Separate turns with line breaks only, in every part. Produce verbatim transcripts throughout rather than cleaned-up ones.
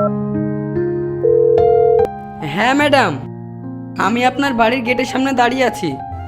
হ্যাঁ ম্যাডাম, আমি আপনার বাড়ির গেটের সামনে দাঁড়িয়ে আছি।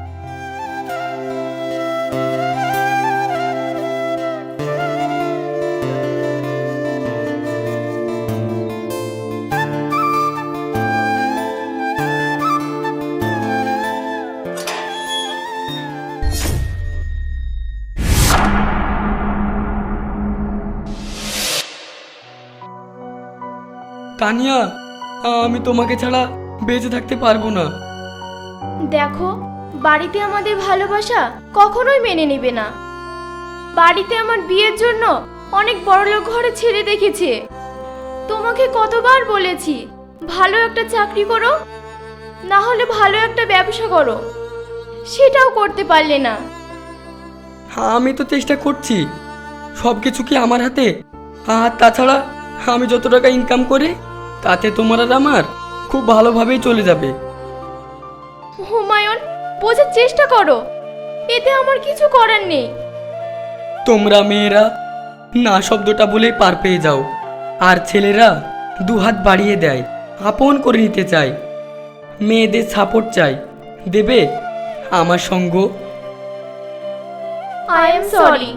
তানিয়া, আমি তোমাকে ছাড়া বেঁচে থাকতে পারবো না।
দেখো, বাড়িতে আমাদের ভালোবাসা কখনোই মেনে নেবে না। বাড়িতে আমার বিয়ের জন্য অনেক বড়লোক ঘরে ছেলে দেখেছে। তোমাকে কতবার বলেছি ভালো একটা চাকরি করো, না হলে ভালো একটা ব্যবসা করো, সেটাও করতে পারলে না।
আমি তো চেষ্টা করছি, সব কিছু কি আমার হাতে? আর তাছাড়া আমি যত টাকা ইনকাম করি তাতে তোমার আর আমার খুব ভালোভাবেই চলে যাবে।
হুমায়ুন, বোঝার চেষ্টা করো, এতে আমার কিছু করার নেই।
তোমরা মেয়েরা না শব্দটা বলেই পার পেয়ে যাও, আর ছেলেরা দুহাত বাড়িয়ে দেয়, আপন করে নিতে চায়। মেয়েদের সাপোর্ট চাই, দেবে আমার সঙ্গ?
I am sorry.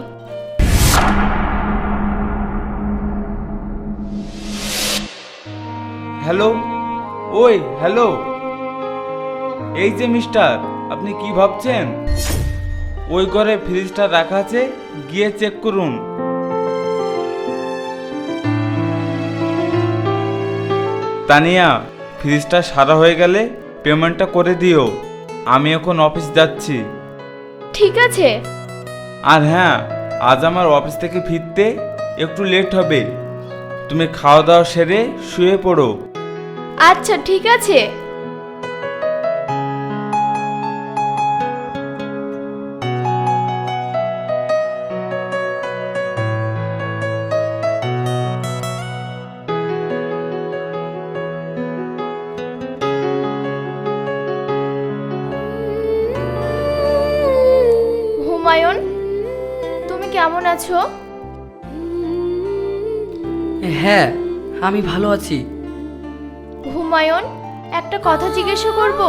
হ্যালো, ওই হ্যালো, এই যে মিস্টার, আপনি কি ভাবছেন? ওই ঘরে ফ্রিজটা রাখা আছে, গিয়ে চেক করুন। তানিয়া, ফ্রিজটা সারা হয়ে গেলে পেমেন্টটা করে দিও। আমি এখন অফিস যাচ্ছি।
ঠিক আছে।
আর হ্যাঁ, আজ আমার অফিস থেকে ফিরতে একটু লেট হবে। তুমি খাওয়া দাওয়া সেরে শুয়ে পড়ো।
আচ্ছা, ঠিক আছে। হুমায়ুন, তুমি কেমন আছো?
হ্যাঁ, আমি ভালো আছি।
হুমায়ুন, একটা কথা জিজ্ঞাসা করব?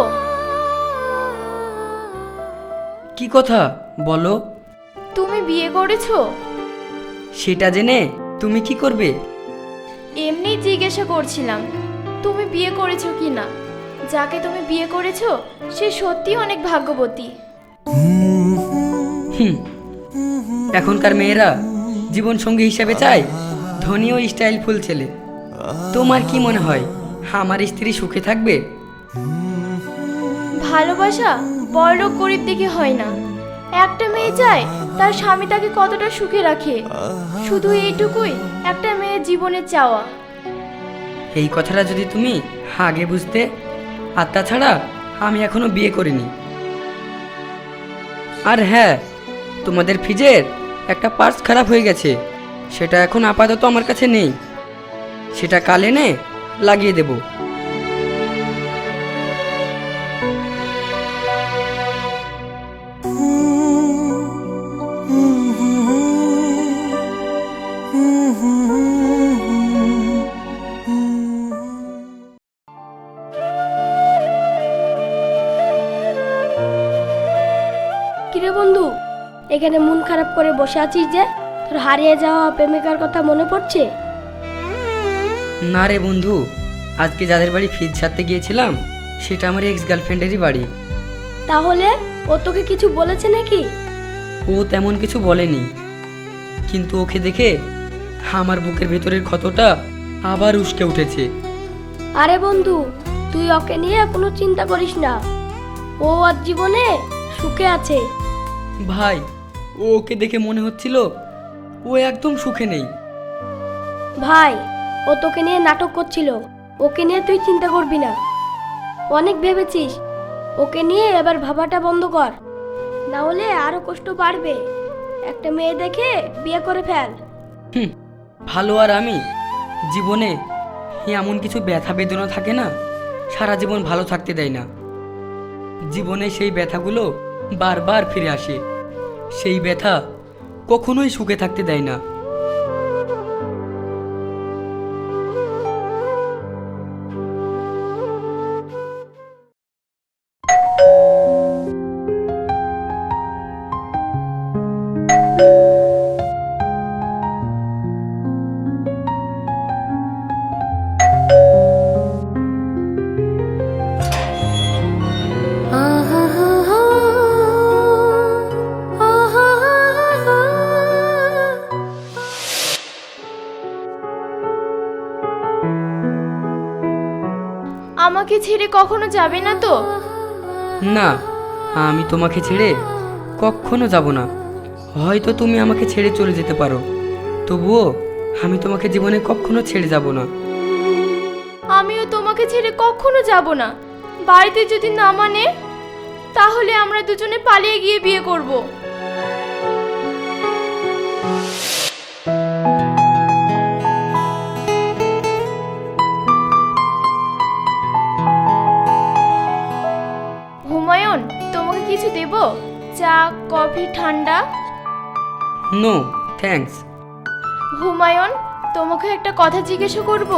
কি কথা বলো?
তুমি বিয়ে করেছো?
সেটা জেনে তুমি কি করবে?
এমনি জিজ্ঞাসা করছিলাম, তুমি বিয়ে করেছো কি না। যাকে তুমি বিয়ে করেছো সে সত্যি অনেক ভাগ্যবতী।
হুম, এখনকার মেয়েরা জীবন সঙ্গী হিসেবে চায় ধনী ও স্টাইলফুল ছেলে। তোমার কি মনে হয় আমার স্ত্রী সুখে থাকবে?
ভালোবাসা বড়লোক গরিব দেখে হয় না। একটা মেয়ে চায় তার স্বামী তাকে কতটা সুখে রাখে, শুধু এইটুকুই একটা মেয়ের জীবনের চাওয়া।
এই কথাটা যদি তুমি আগে বুঝতে। আর তাছাড়া আমি এখনো বিয়ে করিনি। আর হ্যাঁ, তোমাদের ফ্রিজের একটা পার্টস খারাপ হয়ে গেছে, সেটা এখন আপাতত আমার কাছে নেই। সেটা কাল এনে লাগিয়ে দেব।
কিরে বন্ধু, এখানে মন খারাপ করে বসে আছিস যে? তোর হারিয়ে যাওয়া প্রেমিকার কথা মনে পড়ছে?
না রে বন্ধু, আজকে যাদের বাড়ি ফ্রিজ ছাড়তে গিয়েছিলাম সেটা আমার এক্স গার্লফ্রেন্ডেরই বাড়ি।
তাহলে ও তোকে কিছু বলেছে নাকি?
ও তেমন কিছু বলেনি, কিন্তু ওকে দেখে আমার বুকের ভেতরের ক্ষতটা আবার উস্কে উঠেছে।
আরে বন্ধু, তুই ওকে নিয়ে কোনো চিন্তা করিস না, ও আর জীবনে সুখে আছে।
ভাই, ও ওকে দেখে মনে হচ্ছিল ও একদম সুখে নেই।
ভাই, ও তোকে নিয়ে নাটক করছিল, ওকে নিয়ে তুই চিন্তা করবি না। অনেক ভেবেছিস, ওকে নিয়ে এবার ভাবাটা বন্ধ কর, না হলে আরো কষ্ট বাড়বে। একটা মেয়ে দেখে বিয়ে করে ফেল।
হুম, ভালো আর আমি জীবনে এমন কিছু ব্যথা বেদনা থাকে না সারা জীবন ভালো থাকতে দেয় না। জীবনে সেই ব্যথাগুলো বারবার ফিরে আসে, সেই ব্যথা কখনোই সুখে থাকতে দেয় না।
আমাকে ছেড়ে কখনো যাবে না তো?
না, আমি তোমাকে ছেড়ে কখনো যাব না। হয়তো তুমি আমাকে ছেড়ে চলে যেতে পারো, তবুও আমি তোমাকে জীবনে কখনো ছেড়ে যাব না।
আমিও তোমাকে ছেড়ে কখনো যাব না। বাড়িতে যদি না মানে, তাহলে আমরা দুজনে পালিয়ে গিয়ে বিয়ে করব। হুমায়ুন, তোমাকে কিছু দেব? চা, কফি, ঠান্ডা?
No thanks.
হুমায়ুন, তোমাকে একটা কথা জিজ্ঞাসা করব।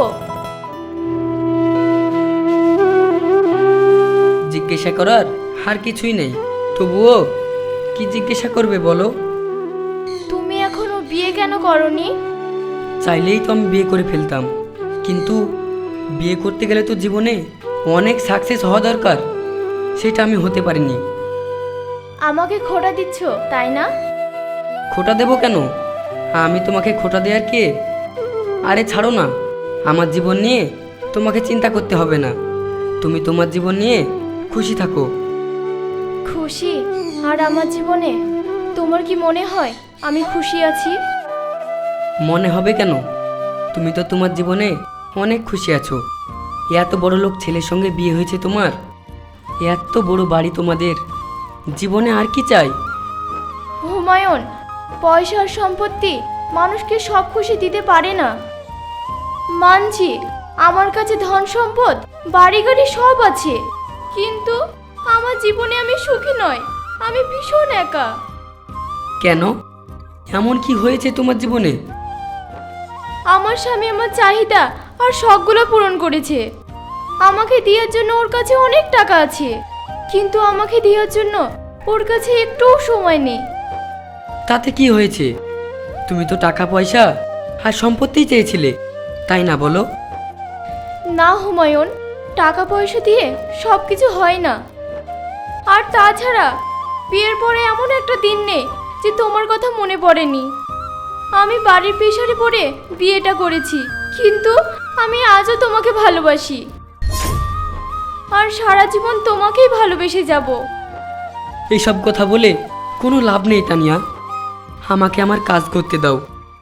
জিজ্ঞাসা করার আর কিছুই নেই, তবুও কি জিজ্ঞাসা করবে বলো?
তুমি এখনো বিয়ে কেন করনি?
চাইলেই তো আমি বিয়ে করে ফেলতাম, কিন্তু বিয়ে করতে গেলে তো জীবনে অনেক সাকসেস হওয়া দরকার, সেটা আমি হতে পারিনি।
আমাকে খোটা দিচ্ছ তাই না?
খোটা দেবো কেন? আমি তোমাকে খোটা দেওয়ার কে? আরে ছাড়ো না, আমার জীবন নিয়ে তোমাকে চিন্তা করতে হবে না। তুমি তোমার জীবন নিয়ে খুশি থাকো।
খুশি? আর আমার জীবনে তোমার কি মনে হয় আমি খুশি আছি?
মনে হবে কেন? তুমি তো তোমার জীবনে অনেক খুশি আছো। এত বড় লোক ছেলের সঙ্গে বিয়ে হয়েছে তোমার, এত বড় বাড়ি তোমাদের, জীবনে আর কি চাই?
হুমায়ুন, পয়সা আর সম্পত্তি মানুষকে সব খুশি দিতে পারে না। মানছি আমার কাছে ধন সম্পদ, বাড়ি গাড়ি সব আছে, কিন্তু আমার জীবনে আমি সুখী নয়। আমি ভীষণ একা।
কেন? এমন কি হয়েছে তোমার জীবনে?
আমার স্বামী আমার চাহিদা আর শখগুলো পূরণ করেছে। আমাকে দেওয়ার জন্য ওর কাছে অনেক টাকা আছে, কিন্তু আমাকে দেওয়ার জন্য ওর কাছে একটুও সময় নেই।
তাতে কি হয়েছে? তুমি তো টাকা পয়সা আর সম্পত্তি চেয়েছিলে, তাই না বলো?
না হুমায়ুন, টাকা পয়সা দিয়ে সব কিছু হয় না। আর তাছাড়া বিয়ের পরে এমন একটা দিন নেই যে তোমার কথা মনে পড়েনি। আমি বাড়ির পেশারে পড়ে বিয়েটা করেছি, কিন্তু আমি আজও তোমাকে ভালোবাসি, আর সারা জীবন তোমাকেই ভালোবেসে যাব।
এইসব কথা বলে কোনো লাভ নেই তানিয়া, আমাকে আমার কাজ করতে দাও।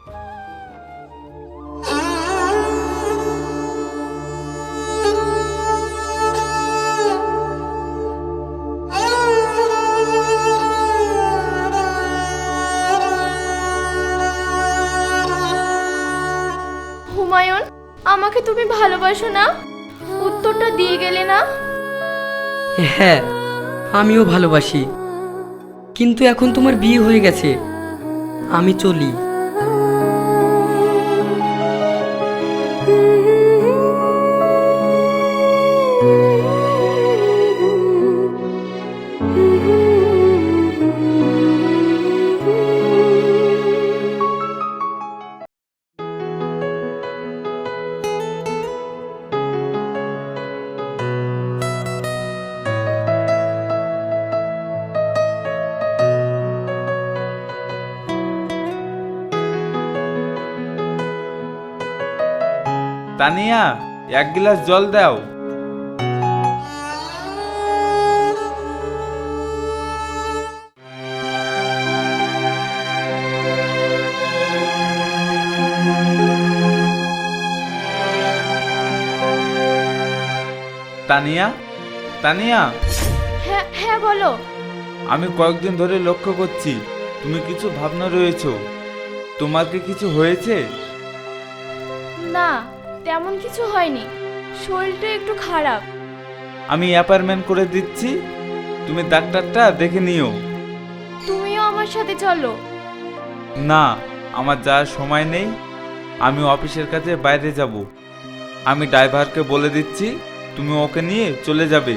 হুমায়ুন, আমাকে তুমি ভালোবাসো না? উত্তরটা দিয়ে গেলে না।
হ্যাঁ, আমিও ভালোবাসি, কিন্তু এখন তোমার বিয়ে হয়ে গেছে, আমি চলি।
তানিয়া, এক গ্লাস জল দাও। তানিয়া, তানিয়া,
হ্যাঁ হ্যাঁ বলো।
আমি কয়েকদিন ধরে লক্ষ্য করছি তুমি কিছু ভাবনা রয়েছো। তোমার কি কিছু হয়েছে?
না, তেমন কিছু হয়নি, শরীরটা একটু খারাপ।
আমি অ্যাপয়েন্টমেন্ট করে দিচ্ছি, তুমি ডাক্তারটা দেখে নিও।
তুমিও আমার সাথে চলো।
না, আমার যাওয়ার সময় নেই, আমি অফিসের কাছে বাইরে যাব। আমি ড্রাইভারকে বলে দিচ্ছি, তুমি ওকে নিয়ে চলে যাবে।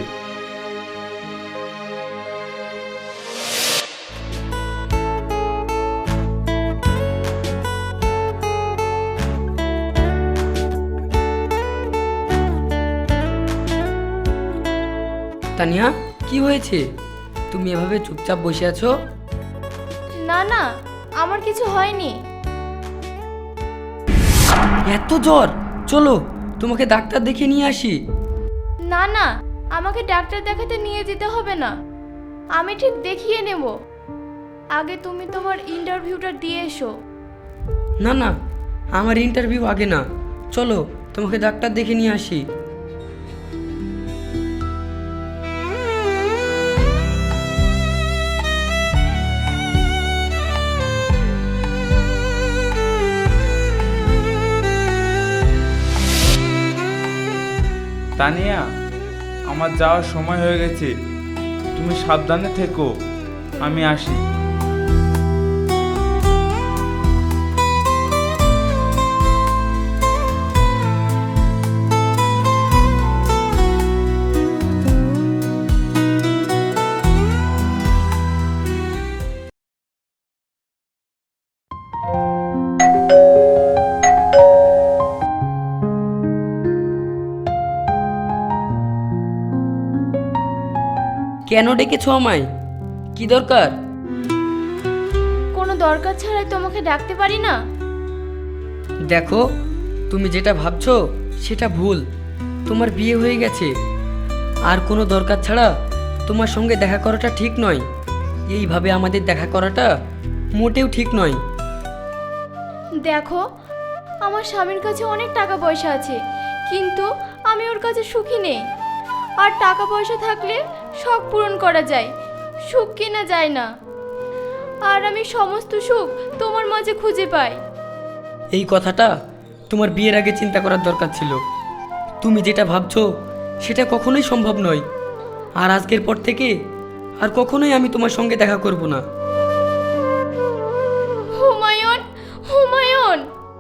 তানিয়া, কি হয়েছে? তুমি এভাবে চুপচাপ বসে আছো?
না না, আমার কিছু হয়নি।
এত জ্বর, চলো তোমাকে ডাক্তার দেখিয়ে নিয়ে আসি।
না না, আমাকে ডাক্তার দেখাতে নিয়ে যেতে হবে না, আমি ঠিক দেখিয়ে নেব। আগে তুমি তোমার ইন্টারভিউটা দিয়ে এসো।
না না, আমার ইন্টারভিউ আগে না, চলো তোমাকে ডাক্তার দেখে নিয়ে আসি।
তানিয়া, আমার যাওয়ার সময় হয়ে গেছে, তুমি সাবধানে থেকো, আমি আসি।
কেন ডেকেছো আমায়? কি দরকার?
কোনো দরকার ছাড়াই তোমাকে ডাকতে পারি না?
দেখো, তুমি যেটা ভাবছো সেটা ভুল। তোমার বিয়ে হয়ে গেছে, আর কোনো দরকার ছাড়া তোমার সঙ্গে দেখা করাটা ঠিক নয়। এইভাবে আমাদের দেখা করাটা মোটেও ঠিক নয়।
দেখো, আমার স্বামীর কাছে অনেক টাকা পয়সা আছে, কিন্তু আমি ওর কাছে সুখী নেই। আর টাকা পয়সা থাকলে শখ পূরণ করা যায়, সুখ কেনা যায় না। আর আমি সমস্ত সুখ তোমার মাঝে খুঁজে পাই।
এই কথাটা তোমার বিয়ের আগে চিন্তা করার দরকার ছিল। তুমি যেটা ভাবছো সেটা কখনোই সম্ভব নয়। আর আজকের পর থেকে আর কখনোই আমি তোমার সঙ্গে দেখা করব না।
হুমায়ুন, হুমায়ুন।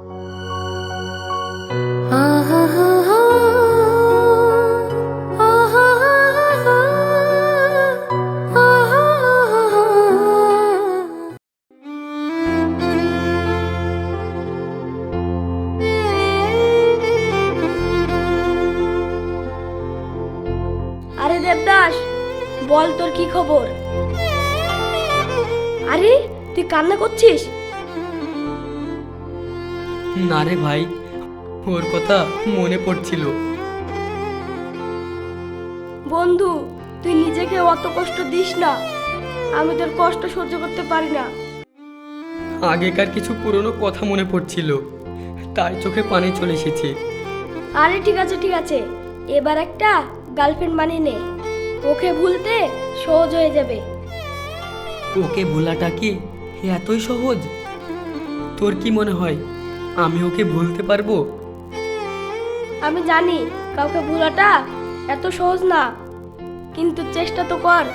আরে দেবদাস, বল তোর কি খবর? আরে তুই কান্না করছিস?
না রে ভাই, ওর কথা মনে পড়ছিল।
বন্ধু, তুই নিজেকে অত কষ্ট দিস না, আমি তোর কষ্ট সহ্য করতে পারি না।
আগেকার কিছু পুরনো কথা মনে পড়ছিল, তাই চোখে পানি চলে এসেছে।
আরে ঠিক আছে ঠিক আছে, এবার একটা গার্লফ্রেন্ড বানিয়ে নে, ওকে ভুলতে সহজ হয়ে যাবে।
ওকে ভোলাটা কি এতই সহজ? তোর কি মনে হয় আমি ওকে ভুলতে পারবো?
আমি জানি কাউকে ভোলাটা এত সহজ না, কিন্তু চেষ্টা তো কর।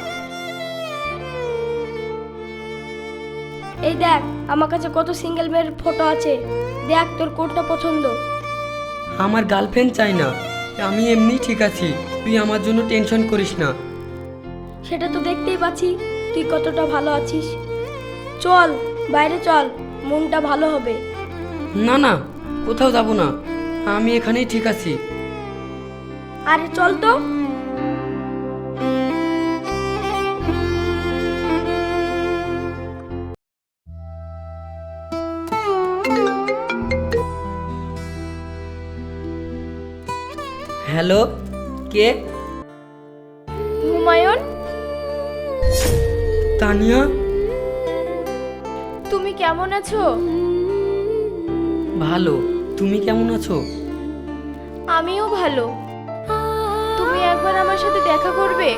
এই দেখ, আমার কাছে কত সিঙ্গেল মেয়ের ফটো আছে, দেখ তোর কোনটা পছন্দ।
আমার গার্লফ্রেন্ড চাই না, আমি এমনি ঠিক আছি। তুই আমার জন্য টেনশন করিস না।
সেটা তো দেখতেই পাচ্ছি তুই কতটা ভালো আছিস। চল বাইরে চল, মনটা ভালো হবে।
না না, কোথাও যাব না, আমি এখানেই ঠিক আছি।
আরে চল তো।
হ্যালো, কে?
হুমায়ুন,
তানিয়া,
তুমি কেমন আছো?
ভালো। তুমি কেমন আছো?
আমিও ভালো। তুমি একবার আমার সাথে দেখা করবে?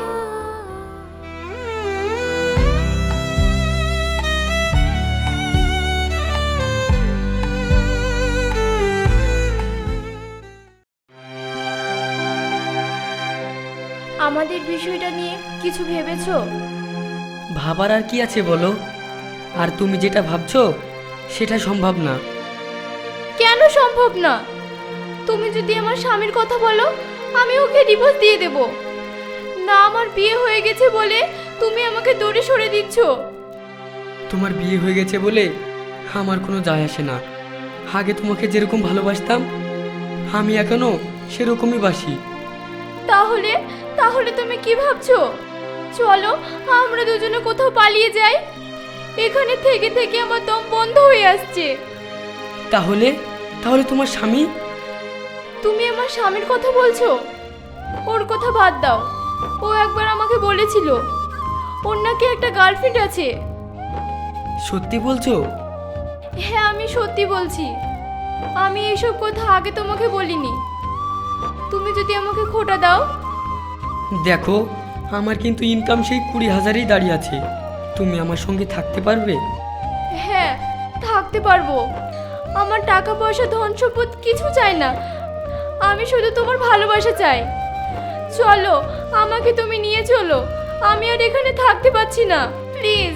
আমাদের বিষয়টা নিয়ে কিছু ভেবেছো?
ভাবার আর কি আছে বলো? আর তুমি যেটা ভাবছো সেটা সম্ভব না।
কেন সম্ভব না? তুমি যদি আমার স্বামীর কথা বলো, আমি ওকে ডিভোর্স দিয়ে দেব। না, আমার বিয়ে হয়ে গেছে বলে তুমি আমাকে দূরে সরে দিচ্ছ।
তোমার বিয়ে হয়ে গেছে বলে আমার কোনো যায় আসে না। আগে তোমাকে যেরকম ভালোবাসতাম আমি এখনো সেরকমই বাসি।
তাহলে তাহলে তুমি কি ভাবছো? চলো আমরা দুজনে কোথাও পালিয়ে যাই। এখানে থেকে থেকে আমার দম বন্ধ হয়ে আসছে।
তাহলে তাহলে তোমার স্বামী?
তুমি আমার স্বামীর কথা বলছো? ওর কথা বাদ দাও। ও একবার আমাকে বলেছিল ওর নাকি একটা গার্লফ্রেন্ড আছে।
সত্যি বলছো?
হ্যাঁ আমি সত্যি বলছি। আমি এসব কথা আগে তোমাকে বলিনি। তুমি যদি আমাকে খোটা দাও।
দেখো, আমার কিন্তু ইনকাম সেই কুড়ি হাজারেই দাঁড়িয়ে আছে। তুমি আমার সঙ্গে থাকতে পারবে?
হ্যাঁ থাকতে পারবো। আমার টাকা পয়সা ধন সম্পদ কিছু চাই না। আমি শুধু তোমার ভালোবাসা চাই। চলো আমাকে তুমি নিয়ে চলো। আমি আর এখানে থাকতে পারছি না, প্লিজ।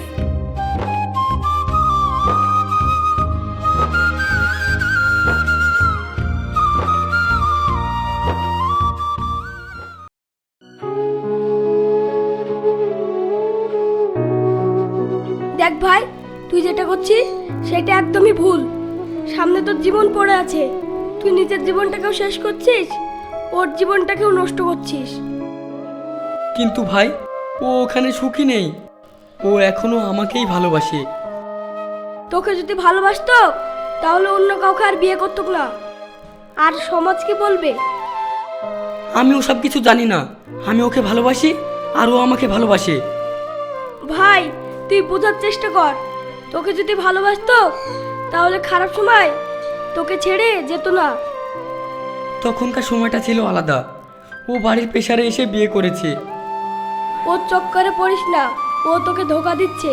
দেখ ভাই, তুই যেটা করছিস সেটা একদমই ভুল। সামনে তোর জীবন পড়ে আছে, তুই নিজের জীবনটাকেও শেষ করছিস, ওর জীবনটাকেও নষ্ট করছিস।
কিন্তু ভাই, ও ওখানে সুখী নেই। ও এখনো আমাকেই ভালোবাসে।
তোকে যদি ভালোবাসতো তাহলে অন্য কাউকে আর বিয়ে করতো না। আর সমাজ কি বলবে?
আমি ওসব কিছু জানি না। আমি ওকে ভালোবাসি আর ও আমাকে ভালোবাসে।
ভাই তুই বোঝার চেষ্টা কর। তোকে যদি ভালোবাসতো তাহলে খারাপ সময় তোকে ছেড়ে যেত না।
তখনকার সময়টা ছিল আলাদা। ও বাড়ির প্রেসারে এসে বিয়ে করেছে।
ওর চক্করে পড়িস না, ও তোকে ধোকা দিচ্ছে।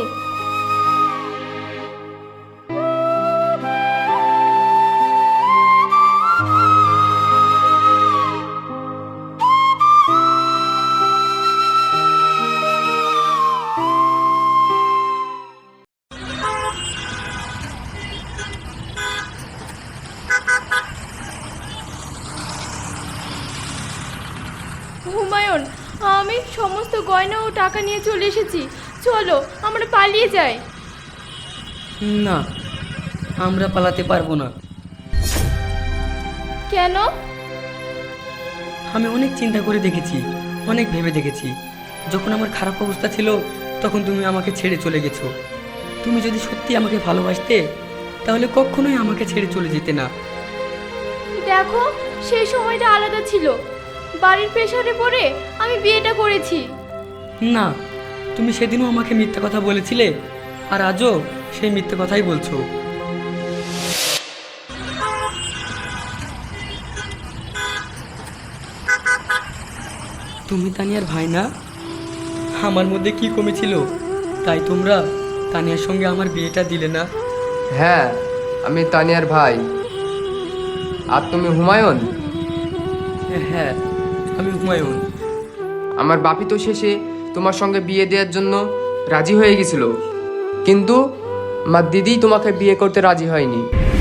হুমায়ুন, আমি সমস্ত গয়না ও টাকা নিয়ে চলে এসেছি। চলো আমরা পালিয়ে যাই।
না, আমরা পালাতে পারবো না।
কেন?
আমি অনেক চিন্তা করে দেখেছি, অনেক ভেবে দেখেছি। যখন আমার খারাপ অবস্থা ছিল তখন তুমি আমাকে ছেড়ে চলে গেছো। তুমি যদি সত্যি আমাকে ভালোবাসতে তাহলে কখনোই আমাকে ছেড়ে চলে যেতে না।
দেখো, সেই সময়টা আলাদা ছিল। বাড়ির প্রেসারে পড়ে আমি বিয়েটা করেছি।
না, তুমি সেদিনও আমাকে মিথ্যা কথা বলেছিলে আর আজও সেই মিথ্যে কথাই বলছো। তুমি তানিয়ার ভাই না? আমার মধ্যে কি কমেছিল তাই তোমরা তানিয়ার সঙ্গে আমার বিয়েটা দিলে না?
হ্যাঁ, আমি তানিয়ার ভাই। আর তুমি হুমায়ুন?
হ্যাঁ, আমি হুমায়ুন।
আমার বাপি তো শেষে তোমার সঙ্গে বিয়ে দেওয়ার জন্য রাজি হয়ে গেছিল, কিন্তু আমার দিদি তোমাকে বিয়ে করতে রাজি হয়নি।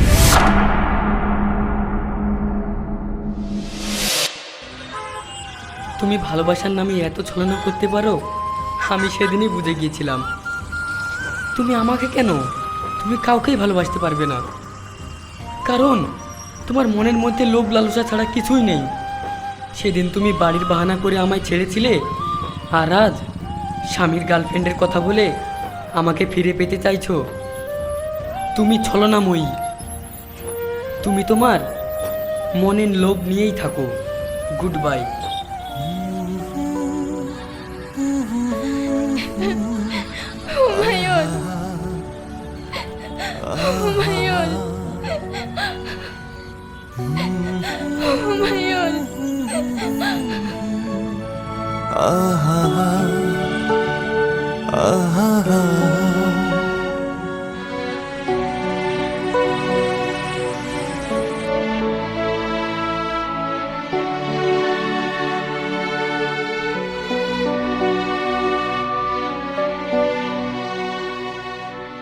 তুমি ভালোবাসার নামে এত ছলনা করতে পারো, আমি সেদিনই বুঝে গিয়েছিলাম। তুমি আমাকে কেন, তুমি কাউকেই ভালোবাসতে পারবে না, কারণ তোমার মনের মধ্যে লোভ লালসা ছাড়া কিছুই নেই। সেদিন তুমি বাড়ির বাহানা করে আমায় ছেড়েছিলে, আর আজ স্বামীর গার্লফ্রেন্ডের কথা বলে আমাকে ফিরে পেতে চাইছো। তুমি ছলনাময়ী। তুমি তোমার মনের লোভ নিয়েই থাকো। Good bye.